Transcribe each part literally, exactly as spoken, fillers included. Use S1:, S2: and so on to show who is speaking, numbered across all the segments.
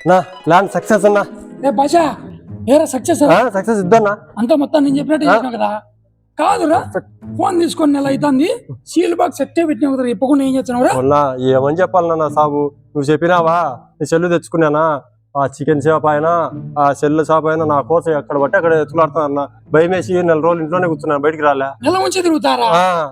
S1: నా plan success అన్నా.
S2: ఏ భాష ఏరా సక్సెస్
S1: సక్సెస్ ఇద్దన్నా.
S2: అంతా మొత్తం నేను చెప్పినట్టు చేసినా కదా. కాదురా ఫోన్ తీసుకొని నెల అవుతుంది, సీల్ బాక్స్ సెట్టే పెట్టినా కదా, చెప్పకుండా ఏం చేస్తున్నావురా?
S1: మొన్న ఏమని చెప్పాలన్నా సాబు, నువ్వు చెప్పినావా నీ సెల్లు తెచ్చుకున్నానా, ఆ చికెన్ షాప్ అయినా ఆ సెల్ షాప్ అయినా నా కోసం ఎక్కడ బట్టి అక్కడ ఎత్తులాడుతున్నా అన్న. భయం వేసి నెల రోజులు ఇంట్లోనే కూర్చున్నాను, బయటికి రాలే.
S2: నెల నుంచి తిరుగుతారా?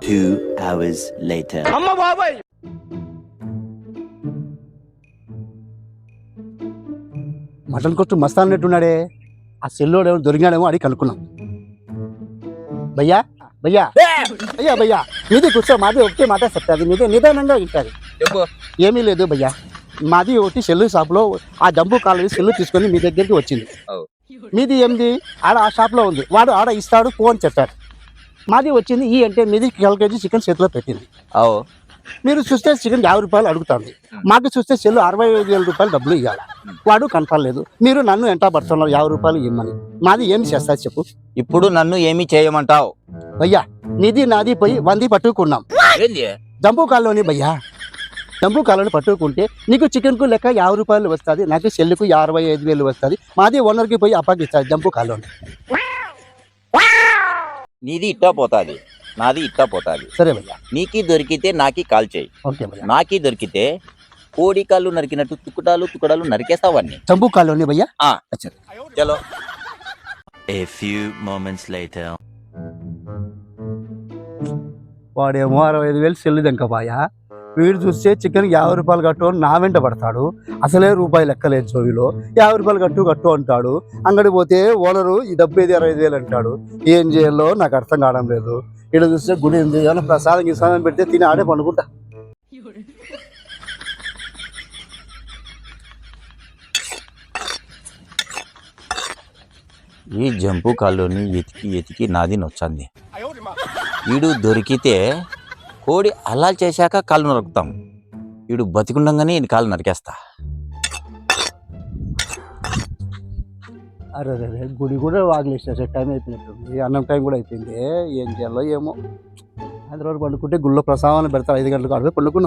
S3: మటన్ కొట్టు మస్తా అన్నట్టున్నాడే, ఆ సెల్లోడు ఏమో దొరికాడేమో అని కనుక్కున్నాం. భయ్యా భయ్యా అయ్యా భయ్యా మీది కూర్చో, మాది ఒకటే మాట చెప్తాది, మీదే నిదానంగా ఉంటుంది. ఏమీ లేదు భయ్యా, మాది ఒకటి సెల్లు షాప్లో ఆ జంబూ కాలనీ సెల్లు తీసుకొని మీ దగ్గరికి వచ్చింది. మీది ఏంది ఆడ ఆ షాప్లో ఉంది, వాడు ఆడ ఇస్తాడు ఫోన్ చెప్పాడు. మాది వచ్చింది ఈ అంటే మీది కేల్ కేజీ చికెన్ చేతిలో పెట్టింది. మీరు చూస్తే చికెన్ యాభై రూపాయలు అడుగుతుంది, మాకు చూస్తే సెల్లు అరవై ఐదు వేల రూపాయలు డబ్బులు ఇవ్వాలి. వాడు కనపడలేదు, మీరు నన్ను ఎంట పడుతున్నారు యాభై రూపాయలు ఇవ్వమని. మాది ఏమి చేస్తా చెప్పు?
S4: ఇప్పుడు నన్ను ఏమి చేయమంటావు?
S3: భయ్యా నీది నాది పోయి వంది పట్టుకున్నాం జంబూ కాలనీ. భయ్యా జంబూ కాలనీ పట్టుకుంటే నీకు చికెన్ కు లెక్క యాభై రూపాయలు వస్తుంది, నాకు సెల్లుకు అరవై ఐదు వేలు వస్తుంది. మాది ఓనర్కి పోయి అప్పగిస్తారు జంబూ కాలనీ.
S4: నీది ఇట్టా పోతాది, నాది ఇట్టా పోతాది.
S3: సరే భయ్యా,
S4: నీకి దొరికితే నాకి కాల్ చేయి.
S3: ఓకే భయ్యా.
S4: నాకి దొరికితే కోడి కాళ్ళు నరికినట్టు తుకుడాలు తుకుడాలు నరికేస్తావన్నీ.
S3: జంబూ కాలనీ భయ్యా.
S4: చలో.
S5: A few moments later.
S3: వాడేమో అరవై ఐదు వేలు సెల్లు దెంకపాయా, వీడు చూస్తే చికెన్ యాభై రూపాయలు కట్టు అని నా వెంట పడతాడు. అసలే రూపాయి లెక్కలేదు జోవిలో, యాభై రూపాయలు కట్టు కట్టు అంటాడు. అంగడి పోతే ఓనరు ఈ డెబ్బై ఐదు అరవై ఐదు వేలు అంటాడు. ఏం చేయాలో నాకు అర్థం కావడం లేదు. ఇక్కడ చూస్తే గుడి ఉంది, ఏమైనా ప్రసాదం గిసాదం పెడితే తిని ఆడే పండుకుంటా.
S4: ఈ జంపు కాళ్ళని ఎతికి ఎతికి నాది నొచ్చింది. వీడు దొరికితే కోడి అలా చేశాక కాళ్ళు నరుకుతాం, వీడు బతికుండగానే ఈ కాళ్ళు నరికేస్తా.
S3: అరే రే గుడి కూడా వాగిలేసిన టైం అయిపోయినట్టుంది, అన్నం టైం కూడా అయిపోయింది. ఏం చేయాలో ఏమో. ఐదు రోజులు పండుకుంటే గుళ్ళో ప్రసాదాన్ని పెడతారు, ఐదు గంటలకు అడిగి పండుకున్నాం.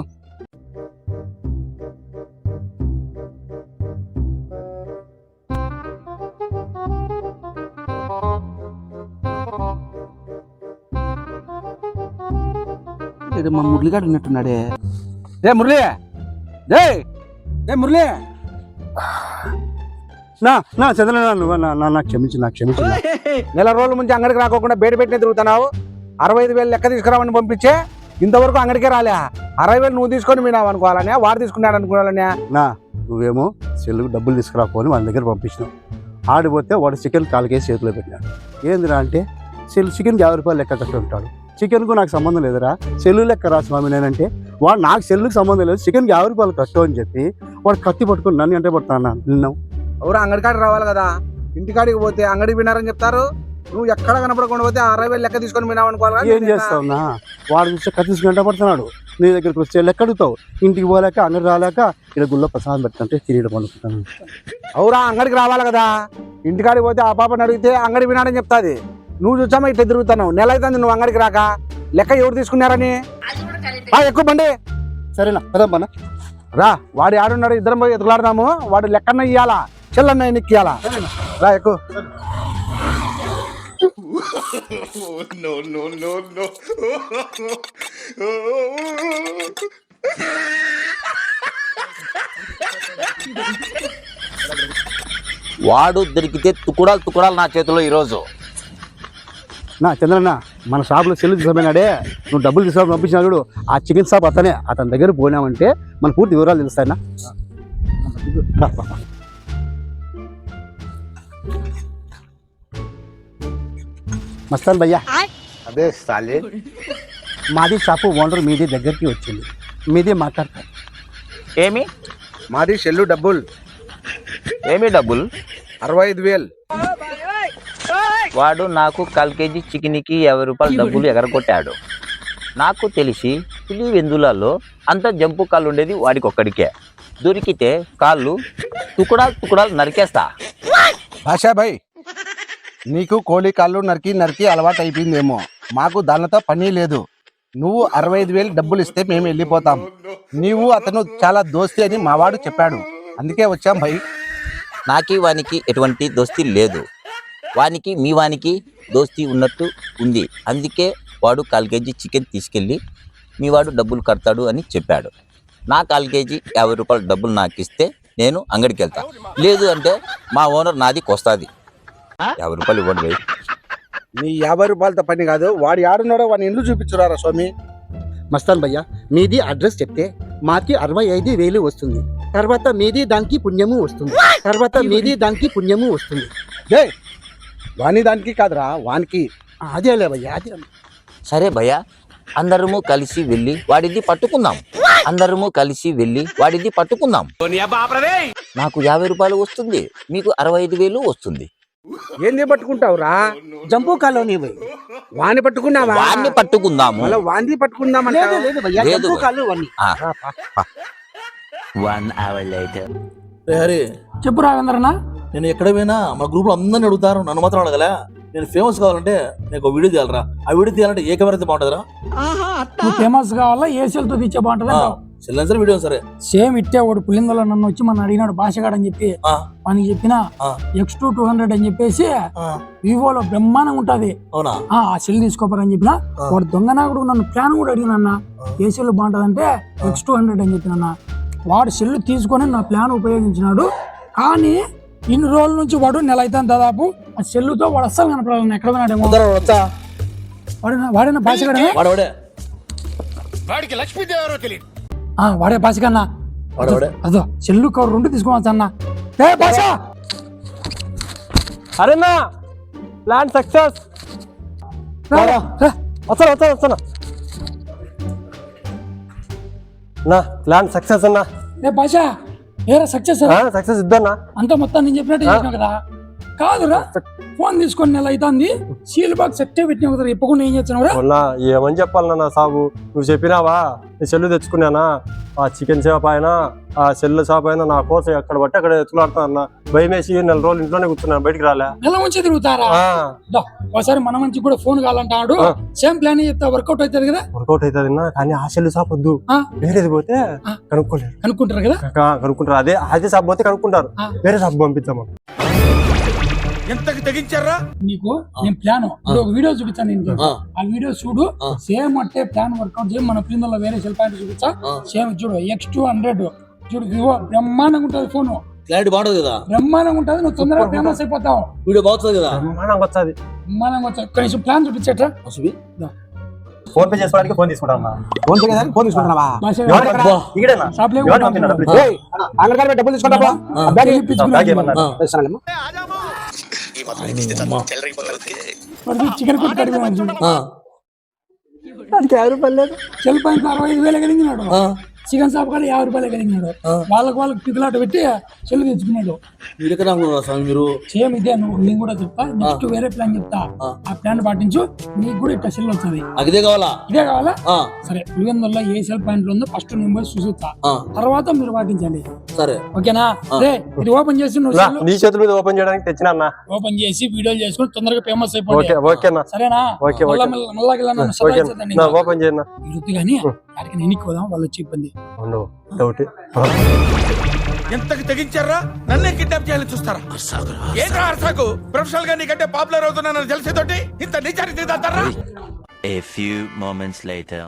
S3: ఇది మా మురళిగాడు ఉన్నట్టున్నాడే.
S6: ఏ మురళి, ఏ ఏ మురళి,
S3: నా నా చంద్ర నువ్వు నా క్షమించు, నాకు క్షమించు.
S6: నెల రోజుల ముందు అంగడికి రాకోకుండా బయట పెట్టిన తిరుగుతున్నావు. అరవై ఐదు వేలు లెక్క తీసుకురావని పంపించే ఇంతవరకు అంగడికే రాలే. అరవై వేలు నువ్వు తీసుకొని మీనావు అనుకోవాలనే, వాడు తీసుకున్నాడు అనుకోవాలనే.
S3: నా నువ్వేమో సెల్లుకు డబ్బులు తీసుకురాపోని వాళ్ళ దగ్గర పంపించినావు. ఆడిపోతే వాడు చికెన్ కాలుకేసి చేతిలో పెట్టినాడు. ఏందిరా అంటే సెల్ చికెన్ యాభై రూపాయలు లెక్క కట్టి ఉంటాడు, చికెన్కు నాకు సంబంధం లేదురా, సెల్లు లెక్క రా స్వామి నేనంటే. వాడు నాకు సెల్లుకి సంబంధం లేదు, చికెన్కి యాభై రూపాయలు కట్టు అని చెప్పి వాడు కత్తి పట్టుకుని నన్ను అంటే పడుతున్నా నిన్నావు.
S6: ఎవరు అంగడికాడికి రావాలి కదా, ఇంటికాడికి పోతే అంగడి వినారని చెప్తారు. నువ్వు ఎక్కడ కనపడకుండా పోతే అరవై వేలు లెక్క తీసుకొని వినావు అనుకోవాలి.
S3: ఏం చేస్తావునా, వాడు చూస్తే కత్తి తీసుకుంటా పడుతున్నాడు, నీ దగ్గరికి వస్తే లెక్క అడుగుతావు. ఇంటికి పోలేక అంగడి రాలేక ఇక్కడ గుళ్ళో ప్రసాదం పెడుతుంటే తిరిగి పండుకుంటాను.
S6: అవురా అంగడికి రావాలి కదా, ఇంటికాడికి పోతే ఆ పాపని అడిగితే అంగడి వినాడని చెప్తాది. నువ్వు చూసామా ఇట్లా తిరుగుతున్నావు, నెల అవుతుంది నువ్వు అంగడికి రాక. లెక్క ఎవరు తీసుకున్నారని ఎక్కువ బండి.
S3: సరేనా పదమ్మా
S6: రా, వాడు ఆడున్నాడు, ఇద్దరం పోయి ఎదుగులాడదాము. వాడు లెక్కన్న ఇయ్యాలా, చెల్లన్న ఎన్నికి ఇయ్యాలా. రా ఎక్కువ.
S4: వాడు దొరికితే తుకుడాలు తుకుడాలు నా చేతిలో ఈరోజు.
S3: నా చంద్రన్న మన షాప్లో సెల్లు తీసుకుపోయినాడే, నువ్వు డబ్బులు తీసుకొని పంపించినా చూడు, ఆ చికెన్ షాప్ అతనే. అతని దగ్గర పోయినామంటే మన పూర్తి వివరాలు తెలుస్తాయన్నా. మస్తాన్ భయ్యా,
S6: అదే సాలి
S3: మాది షాపు ఓనర్ మీది దగ్గరికి వచ్చింది, మీది మాట్లాడతారు.
S4: ఏమి
S6: మాది సెల్లు డబ్బులు
S4: ఏమి డబ్బులు?
S6: అరవై ఐదు వేలు.
S4: వాడు నాకు కాల్ కేజీ చికెన్కి యాభై రూపాయలు డబ్బులు ఎగరగొట్టాడు. నాకు తెలిసి పులివెందులలో అంత జంపు కాళ్ళు ఉండేది వాడికి ఒక్కడికే. దొరికితే కాళ్ళు తుకుడాలు తుకుడాలు నరికేస్తా.
S6: భాషా భాయ్, నీకు కోడి కాళ్ళు నరికి నరికి అలవాటు అయిపోయిందేమో, మాకు దానితో పని లేదు. నువ్వు అరవై ఐదు వేలు డబ్బులు ఇస్తే మేము వెళ్ళిపోతాం. నీవు అతను చాలా దోస్తి అని మావాడు చెప్పాడు, అందుకే వచ్చాం భయ్.
S4: నాకి వానికి ఎటువంటి దోస్తీ లేదు. వానికి మీ వానికి దోస్తీ ఉన్నట్టు ఉంది. అందుకే వాడు కాల్ కేజీ చికెన్ తీసుకెళ్ళి మీ వాడు డబ్బులు కడతాడు అని చెప్పాడు. నా కాల్ కేజీ యాభై రూపాయలు డబ్బులు నాకు ఇస్తే నేను అంగడికి వెళ్తా. లేదు అంటే మా ఓనర్ నాది కొస్తాది. యాభై రూపాయలు ఇవ్వండి భయ్.
S6: నీ యాభై రూపాయలతో పని కాదు, వాడు ఆడున్నాడో వాడిని ఇల్లు చూపించురారా స్వామి.
S3: మస్తాన్ భయ్య, మీది అడ్రస్ చెప్తే మాకి అరవై ఐదు వేలు వస్తుంది. తర్వాత మీది దానికి పుణ్యము వస్తుంది. తర్వాత మీది దానికి పుణ్యము వస్తుంది.
S6: జై వాని దానికి కాదురా వానికి.
S3: అదేలే భయ్య, అదే.
S4: సరే భయ్య, అందరము కలిసి వెళ్ళి వాడిది పట్టుకుందాం. అందరము కలిసి వెళ్ళి వాడిది పట్టుకుందాం. నాకు యాభై రూపాయలు వస్తుంది, మీకు అరవై ఐదు వేలు వస్తుంది.
S6: ఏంది పట్టుకుంటావురా?
S3: జంపు కాలనీ భయ్.
S6: వాని పట్టుకున్నావా?
S4: వాడిని పట్టుకుందాము.
S6: మళ్ళీ వాంది పట్టుకుందామంట.
S3: లేదు లేదు భయ్య,
S4: లేదు
S3: జంపు
S4: భయ్య.
S3: కాలు వాణ్ణి.
S4: ఆ,
S5: One hour later.
S7: రే హరి,
S2: చెప్పు రావేంద్రనా.
S7: నేను ఎక్కడ పోయినా మా గ్రూప్ లో అందరిని అడుగుతారు, నన్ను మాత్రం అడగలే. నేను ఫేమస్ కావాలంటే నేను ఒక వీడియో తీయాలరా. ఆ వీడియో తీయాలంటే ఏ కెమెరా బాగుంటుందిరా?
S2: నువ్వు ఫేమస్ కావాలా ఏసీలతో తీచ్చే బాగుంటుంది అంటావు.
S7: సిలిండర్ వీడియో సరే.
S2: సేమ్ ఇట్టే వాడు పులిందలో నన్ను వచ్చి మన అడిగినాడు భాషగాడు అని చెప్పి
S7: ఆ,
S2: వానికి చెప్పిన
S7: ఆ.
S2: ఎక్స్ టూ టూ హండ్రెడ్ అని చెప్పేసి
S7: ఆ,
S2: వివోలో బ్రహ్మాండంగా ఉంటది.
S7: అవునా?
S2: ఆ ఆ సెల్ తీసుకోపోరని చెప్పిన.
S7: ఆ.
S2: వాడు దొంగనాకుడు నన్ను ప్లాన్ కూడా అడిగినన్న ఏ సెల్ బాగుంటదంటే ఎక్స్ టూ హండ్రెడ్ అని చెప్పిన. వాడు సెల్ తీసుకొని నా ప్లాన్ ఉపయోగించినాడు. కానీ ఇన్ని రోజుల నుంచి వాడు నెల అయితే దాదాపు ఆ సెల్లుతో వాడు అస్సలు కనపడాలి. ఎక్కడ పోయినాడేమో.
S7: వద్దరా, వద్దా?
S2: వాడిన వాడైనా భాషగాడే.
S7: వాడు వాడే
S2: ఆ వాడే భాషకన్నా.
S7: వాడు వాడే.
S2: అదో సెల్లు కవర్ రెండు తీసుకోవచ్చు అన్న. ఏ భాష
S1: అరేనా ప్లాన్ సక్సెస్. వస్తాను వస్తాను వస్తాను నా ప్లాన్ సక్సెస్ అన్నా.
S2: ఏ భాష ఏరా సక్సెస్
S1: సక్సెస్ ఇద్దన్నా.
S2: అంతా మొత్తం నేను చెప్పినట్టు చేసినావు కదా. కాదురా ఫోన్ తీసుకొని నెల అవుతుంది, సీల్ బాక్స్ సెట్టే పెట్టినావు కదా. ఇప్పకుండా ఏం చేస్తున్నావురా?
S1: మొన్న ఏమని చెప్పాలన్నా నా సాబు, నువ్వు చెప్పినావా నీ సెల్లు తెచ్చుకున్నానా, ఆ చికెన్ షాప్ అయినా ఆ సెల్ షాప్ అయినా నా కోసం ఎక్కడ బట్టి అక్కడ ఎత్తులాడుతున్నా. భయం వేసి నెల రోజులు ఇంట్లోనే కూర్చున్నాను, బయటికి రాలే.
S2: నెల ఉంచి తిరుగుతారా?
S1: ఆ,
S2: దో, ఒకసారి మన మంచి కూడా ఫోన్ కావాలంటాడు.
S1: ఆ.
S2: సేమ్ ప్లాన్ చెప్తా వర్కౌట్ అవుతుంది కదా.
S1: వర్కౌట్ అవుతుంది కానీ ఆ సెల్ షాప్ వద్దు,
S2: ఆ.
S1: వేరేది పోతే
S2: ఆ.
S1: కనుక్కోలేరు.
S2: కనుక్కుంటారు కదా.
S1: కా- కనుక్కుంటారు అదే అదే షాప్ పోతే కనుక్కుంటారు.
S2: ఆ.
S1: వేరే షాప్ పంపిద్దాము.
S2: నీకు నేను ప్లాన్ ఇప్పుడు ఒక వీడియో చూపించాను నేను.
S7: ఆ.
S2: ఆ వీడియో చూడు,
S7: ఆ.
S2: సేమ్ అంటే ప్లాన్ వర్కౌట్ చేయి. మన పిల్లల్లో వేరే సెల్ పాయింట్ చూపించా.
S7: ఆ.
S2: సేమ్ చూడు ఎక్స్ టూ హండ్రెడ్ చూడు, వివో బ్రహ్మాండంగా ఉంటుంది. ఫోన్
S7: క్లారిటీ బాగుంటుంది కదా,
S2: బ్రహ్మాండంగా ఉంటుంది. నువ్వు తొందరగా ఫేమస్ అయిపోతావు.
S7: వీడియో బాగుంటుంది కదా.
S1: బ్రహ్మాండంగా వచ్చేది.
S2: బ్రహ్మాండంగా వచ్చావు. కనీసం ప్లాన్ చూపించేట్రా.
S7: సుబి,
S1: ఫోన్ పే చేసుకోవడానికి ఫోన్ తీసుకుంటా.
S6: ఫోన్ పే ఫోన్ తీసుకుంటున్నావా?
S2: భాష
S7: అబ్బా.
S1: ఇక్కడేనా
S2: షాప్ లో
S1: ఎవరు పంపినారు డబ్బులు?
S6: ఏయ్, అంగడి కాడ డబ్బులు తీసుకుంటావా?
S7: ఆ.
S6: బ్యాగ్ ఇయ్యి.
S1: బ్యాగ్ ఏమన్నారు?
S7: ఆ.
S6: ఇస్తానమ్మా.
S7: అమ్మా.
S2: చికెన్ కొట్టి కడిగినాడు చూడు.
S7: ఆ,
S1: అది యాభై రూపాయలు లేదు.
S2: సెల్ పాయింట్ అరవై ఐదు వేలు కలిగినాడు.
S7: ఆ.
S2: చికెన్ షాప్ కాడ యాభై రూపాయలు కలిగినాడు.
S7: ఆ.
S2: వాళ్ళకి వాళ్ళకి పిక్కులాట పెట్టి సెల్ తెచ్చుకున్నాడు.
S7: మీరు ఎక్కడ అనుకున్నారా స్వామి మీరు?
S2: సేమ్ ఇదే నువ్వు నేను కూడా చెప్తా. నెక్స్ట్ వేరే ప్లాన్ చెప్తా.
S7: ఆ.
S2: ఆ ప్లాన్ పాటించు, నీకు కూడా ఇట్లా సెల్ వస్తుంది.
S7: నాకు ఇదే కావాలా?
S2: ఇదే కావాలా?
S7: ఆ,
S2: సరే, పులివెందుల్లో ఏ సెల్ పాయింట్ ఉందో ఫస్ట్ నేను పోయి చూసిస్తా.
S7: ఆ,
S2: తర్వాత మీరు పాటించండి.
S7: సరే.
S2: ఓకేనా? రే ఇది ఓపెన్ చేసి నువ్వు
S1: రా,
S2: సెల్
S1: నీ చేతుల మీద ఓపెన్ చేయడానికి తెచ్చినా అన్న.
S2: ఓపెన్ చేసి వీడియోలు చేసుకుని తొందరగా ఫేమస్ అయిపోయి.
S1: ఓకే ఓకేనా.
S2: సరేనా?
S1: Okay, okay.
S2: మళ్ళా మళ్ళా- మళ్ళా గిల్లా నన్ను సలహా
S1: ఓకే
S2: ఇచ్చేద్దండి.
S1: నా ఓపెన్ చేయన్నా.
S2: ఇరుద్దు కానీ అక్కడికి నేను పోదాం, వాళ్ళు వచ్చి ఇబ్బంది.
S1: ఉండవు డౌట్.
S8: ఎంతకి తెగించారా? నన్నే కిడ్నాప్ చేయాలని చూస్తారా? ఏంట్రా అర్సాకు? ప్రొఫెషనల్ గా నీకంటే పాపులర్ అవుతున్నానని తెలిసేతోటి ఇంత నిజానికి దిగుతారా?
S5: A few moments later.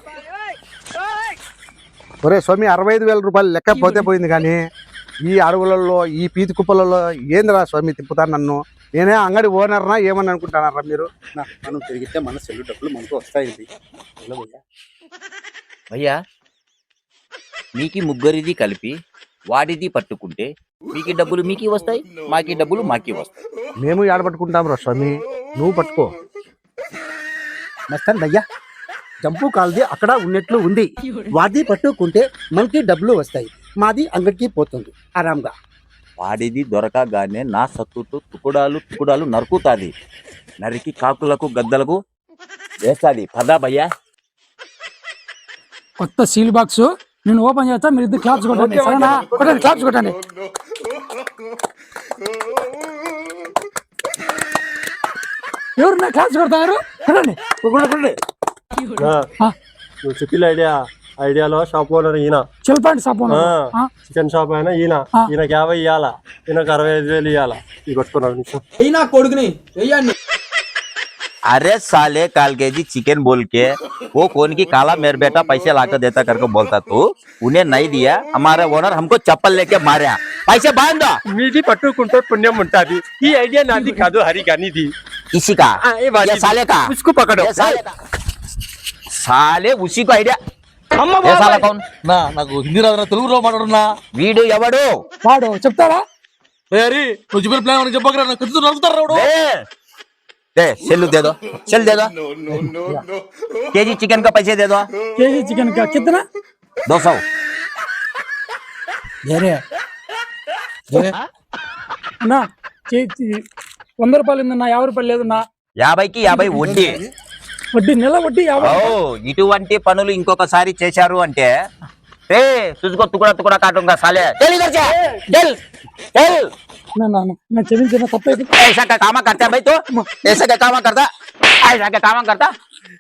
S6: ఒరే స్వామి, అరవై ఐదు వేల రూపాయలు లెక్క పోతే పోయింది కానీ ఈ అడవులలో ఈ పీతి కుప్పలలో ఏందిరా స్వామి తిప్పుతారు నన్ను? నేనే అంగడి ఓనర్నా ఏమని అనుకుంటానారా మీరు?
S3: నా, మనం తిరిగితే మన సెల్లు డబ్బులు మనకు వస్తాయి.
S4: భయ్యా, మీకి ముగ్గురిది కలిపి వాడిది పట్టుకుంటే మీకి డబ్బులు మీకి వస్తాయి, మాకి డబ్బులు మాకి వస్తాయి.
S6: మేము ఏడబట్టుకుంటాం రా స్వామి, నువ్వు పట్టుకో.
S3: మస్తాన్ భయ్య, జంపు కాల్ది అక్కడ ఉన్నట్లు ఉంది. వాది పట్టుకుంటే మనకి డబ్బులు వస్తాయి, మాది అంగడికి పోతుంది ఆరాంగా.
S4: వాడిది దొరకగానే నా సత్తుతో తుకుడాలు తుకుడాలు నరుకుతాది. నరికి కాకులకు గద్దలకు వేస్తాది. పదా భయ్యా.
S2: కొత్త సీల్ బాక్స్ నేను ఓపెన్ చేస్తా, మీరు ఇద్దరు క్లాప్స్ కొట్టండి. సరేనా? కొట్టండి, క్లాప్స్ కొట్టండి. ఎవరు నా క్లాప్స్ కొడతారు? కొట్టండి.
S1: ఆ, నువ్వు చెప్పిన ఐడియా ఐడియాలో షాప్ ఓనర్ ఈయన
S2: చిల్పాంటి షాప్
S1: ఆ, చికెన్ షాప్ అయినా ఈయన
S2: ఆ.
S1: ఈయనకి యాభై ఇవ్వాలా ఈయనకు అరవై ఐదు వేలు ఇవ్వాలా ఇది కొట్టుకున్నాడు నిమిషం
S9: అయినా కొడుకుని వెయ్యండి.
S4: अरे साले काल के जी चिकन बोल के वो कौन की काला मेरे बेटा पैसे लाकर देता करके बोलता तू उन्हें नहीं दिया हमारा ओनर हमको चप्पल लेके मारा पैसे बांध दो
S1: మీది పట్టుకుంటే పుణ్యం ఉంటుంది ఈ ఐడియా నాది కాదు హరి గానిది
S4: किसी का
S1: हाँ, ये बात
S4: ये
S1: ही-
S4: साले का
S1: उसको पकड़ो
S4: ये साले का साले उसी को आइडिया ये साला कौन
S7: నా నాకు హిందీ రాదు తెలుగులో మాట్లాడున్నా
S4: వీడు ఎవడు
S2: వాడు చెప్తారా
S7: ఏ హరి నువ్వు చెప్పిన ప్లాన్ అని చెప్పకరా నాకు ఖచ్చితంగా నడుపుతారు రావుడు
S4: दे दे सेलू दे दो चल दे दो केजी चिकन का पैसे दे दो
S2: కేజీ చికెన్ కా కిतना
S4: दो सौ
S2: వేరే అన్నా కేజీ వంద రూపాయలు ఉందన్నా యాభై రూపాయలు లేదన్నా
S4: యాభైకి యాభై వడ్డీ
S2: వడ్డీ నెల వడ్డీ యాభై
S4: ఓ ఇటువంటి పనులు ఇంకొకసారి చేశారు అంటే రే तुझको टुकड़ा टुकड़ा काटूंगा साले चल इधर से चल चल
S2: నా నా నా క్షమించిన తప్పైపోయింది
S4: ऐसा का काम करता है भाई तो ऐसा का काम करता ऐसा का काम करता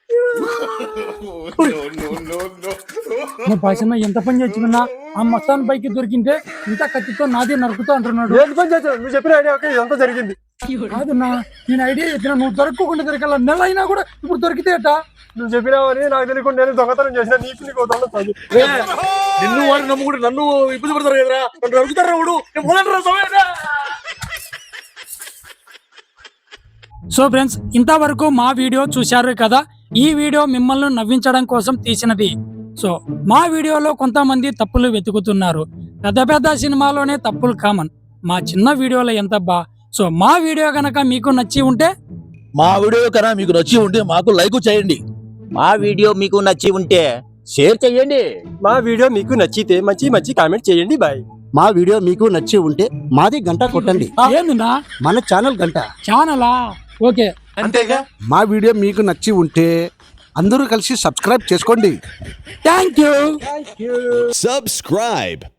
S2: నా భాషన్న ఎంత పని చేసిందన్నా ఆ మస్తాన్ పైకి దొరికింటే ఇంత కత్తితో నాదే నరుకుతా అంటున్నాడు
S1: ఏంటి పని చేశావు నువ్వు చెప్పిన ఐడియా ఓకే ఇదంతా జరిగింది
S2: కాదన్నా నేను ఐడియా చెప్పిన నువ్వు దొరకకుండా దొరికాల నెల అయినా కూడా ఇప్పుడు దొరికితే ఎట్టా
S1: నువ్వు చెప్పినావని నాకు తెలియకుండా నేను దొంగతనం చేసిన నీకు నీకు దొంగతనం
S7: ఏ, నిన్ను వాడిని నమ్ముకుంటే నన్ను ఇబ్బంది పడతారు కదరా నన్ను నడుపుతారు రావుడు నేను పోలేనురా సమయంగా.
S2: సో ఫ్రెండ్స్ ఇంతవరకు మా వీడియో చూశారు కదా ఈ వీడియో మిమ్మల్ని నవ్వించడం కోసం తీసినది సో మా వీడియోలో కొంతమంది తప్పులు వెతుకుతున్నారు పెద్ద పెద్ద సినిమాలోనే తప్పులు కామన్ మా చిన్న వీడియోలో ఎంత బా సో మా వీడియో గనక మీకు నచ్చి ఉంటే
S7: మా వీడియో కన్నా మీకు నచ్చి ఉంటే మాకు లైక్ చేయండి
S4: మా వీడియో మీకు నచ్చి ఉంటే షేర్ చేయండి
S1: మా వీడియో మీకు నచ్చితే మంచి మంచి కామెంట్ చేయండి బాయ్
S3: మా వీడియో మీకు నచ్చి ఉంటే మాది గంట కొట్టండి
S2: ఏందినా
S3: మన ఛానల్ గంట
S2: ఛానలా ఓకే
S7: అంతేగా
S6: మా వీడియో మీకు నచ్చి ఉంటే అందరూ కలిసి సబ్స్క్రైబ్ చేసుకోండి
S2: థ్యాంక్ యూ
S10: Subscribe.